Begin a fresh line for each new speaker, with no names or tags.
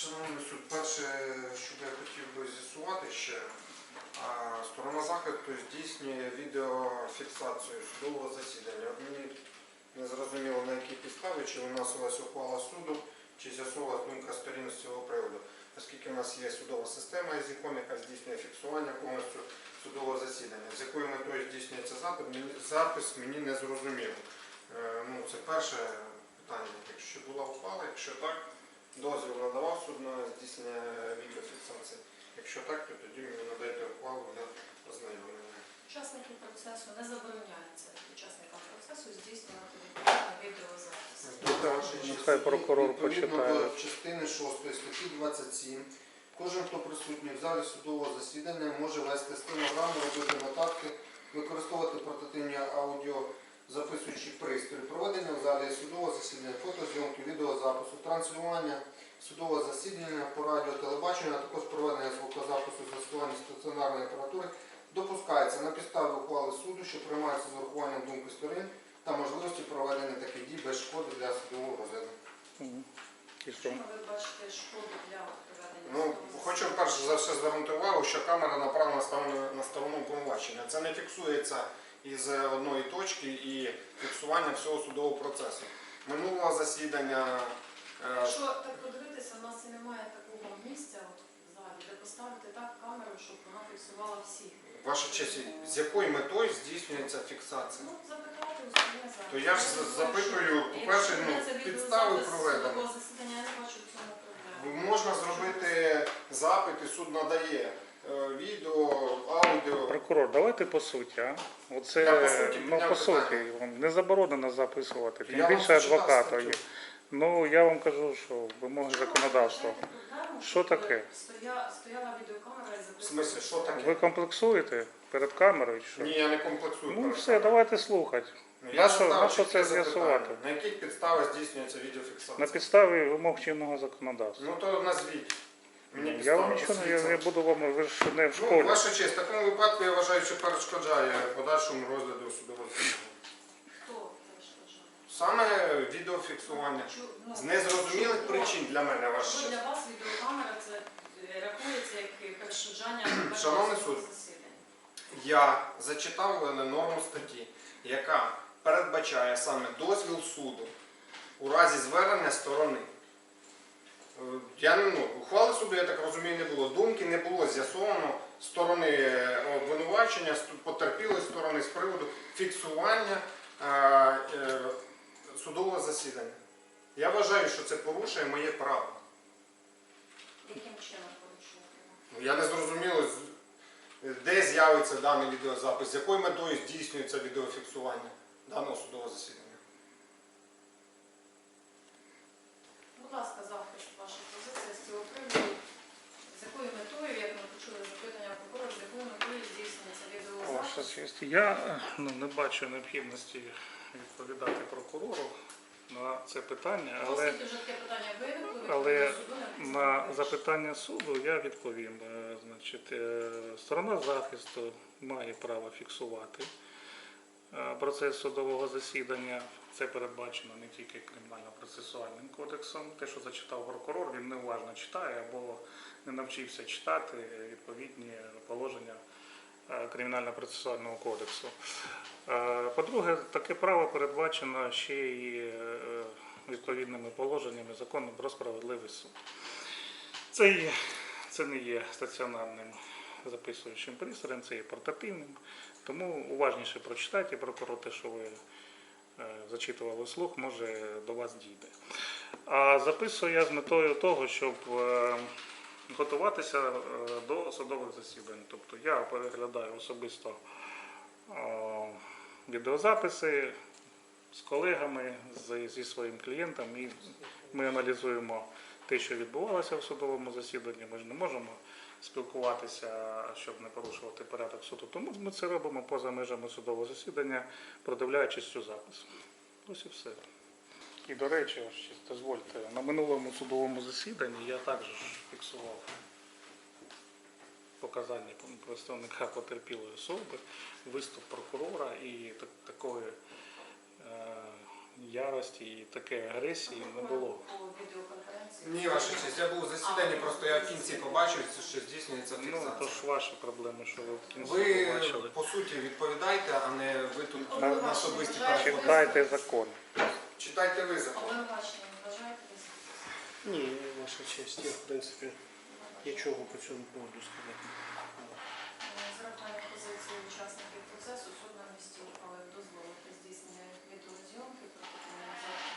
Шановний суд, перше, що я хотів би з'ясувати ще, сторона захисту здійснює відеофіксацію судового засідання. От мені не зрозуміло, на якій підставі, чи виносилась ухвала суду, чи з'ясовувалась думка сторін з цього приводу. Оскільки в нас є судова система із ікон, яка здійснює фіксування повністю судового засідання. З якою метою здійснюється запис, мені не зрозуміло. Це перше питання. Якщо була ухвала, якщо так, дозвіл надавав суд на здійснення відеофіксації. Якщо так, то тоді мені надайте ухвалу для ознайомлення.
Учасників процесу не забороняється учасникам процесу здійснювати відеозапис.
Нехай прокурор
Відповідно
почитає.
до частини 6 статті 27, кожен, хто присутній в залі судового засідання, може вести стенограму, робити нотатки, використовувати портативні аудіозаписуючі пристрої, проведення в залі судового засідання, фотозйомки, відеозапису, транслювання судового засідання по радіо, телебаченню, а також проведення звукозапису з застосуванням стаціонарної апаратури допускається на підставі ухвали суду, що приймається з урахуванням думки сторін та можливості проведення таких дій без шкоди для судового розгляду.
І що?
Чому ви бачите шкоду для проведення судового
Хочу перш за все звернути увагу, що камера направлена на сторону обвинувачення. Це не фіксується із одної точки і фіксування всього судового процесу. Минулого засідання...
Якщо так подивитися, у нас і немає такого місця в залі, де поставити так камеру, щоб вона фіксувала всіх.
Ваша честь, з якою метою здійснюється фіксація?
Запитати у суддя зараз.
То я ж запитую, по-перше, підстави проведення.
Засідання, я не бачу в цьому проблеми.
Можна зробити запит, і суд надає відео, аудіо.
Прокурор, давайте по суті, а? Оце,
Я по суті
по
підняв
суті, вам не заборонено записувати, тим
Я вам
більше
зачитав
адвоката є.
статтю.
Ну, я вам кажу, що вимоги законодавства. Що таке?
Стояла відеокамера і
В
записувала.
смислі, що таке?
Ви комплексуєте перед камерою чи що?
Ні, я не комплексую.
Ну
перед
все,
камерою.
давайте слухати.
Я
На що
задав
це
чітке
з'ясувати?
запитання. На яких підставах здійснюється відеофіксація?
На підставі вимог чинного законодавства.
Ну то назвіть. Мені
Я
підстави
вам нічого не я буду вам, ви ж не в
Ну,
школі.
ваша честь, в такому випадку я вважаю, що перешкоджає подальшому розгляду судового засідання.
Хто перешкоджає?
Саме відеофіксування. З незрозумілих причин для мене, ваша
Що
честь.
для вас відеокамера це рахується як перешкоджання
Шановний суд,
засідання?
Я зачитав норму статті, яка передбачає саме дозвіл суду у разі звернення сторони. Ухвали суду, я так розумію, не було. Думки не було з'ясовано сторони обвинувачення, потерпілої сторони з приводу фіксування судового засідання. Я вважаю, що це порушує моє право.
Яким чином порушує?
Я не зрозуміло, де з'явиться даний відеозапис, з якою метою здійснюється відеофіксування даного судового засідання.
Будь ласка, захист ваша позиція з цього приводу. З якою метою, як ми почули запитання прокурора, з якою метою здійснюється відеозапис?
Ваша честь, я не бачу необхідності відповідати прокурору на це питання, але
Оскільки вже таке питання виникло,
але
відповідно суду не
на
вирішує.
запитання суду я відповім. Значить, сторона захисту має право фіксувати процес судового засідання. Це передбачено не тільки Кримінально-процесуальним кодексом. Те, що зачитав прокурор, він неуважно читає або не навчився читати відповідні положення Кримінально-процесуального кодексу. По-друге, таке право передбачено ще й відповідними положеннями Закону про справедливий суд. Це не є стаціонарним записуючим пристроєм, це є портативним. Тому уважніше прочитайте, прокурор, те, що ви зачитували вслух, може до вас дійде. А записую я з метою того, щоб готуватися до судових засідань. Тобто я переглядаю особисто відеозаписи з колегами, зі своїм клієнтом, і ми аналізуємо те, що відбувалося в судовому засіданні. Ми ж не можемо спілкуватися, щоб не порушувати порядок суду. Тому ми це робимо поза межами судового засідання, продивляючись цю запис. Ось і все. І, до речі, дозвольте, на минулому судовому засіданні я також фіксував показання представника потерпілої особи, виступ прокурора, і такої ярості, і такої агресії не було.
По відеоконференції?
Ні, Ні, ваша честь, я був у засіданні, просто я в кінці побачив, що здійснюється
Ну,
фіксація.
то ж ваші проблеми, що ви в кінці
Ви
побачили.
по суті відповідайте, а не ви тут
На
на особисті
бажаєте?
переходи.
Читайте закон.
Читайте ви закон.
Обвинувачення не бажаєте висловитися?
Ні, ваша честь, я в принципі нічого по цьому поводу сказати.
З урахуванням позиції учасників процесу суд на місці ухвалив дозволити здійснення відеозйомки протокольної запису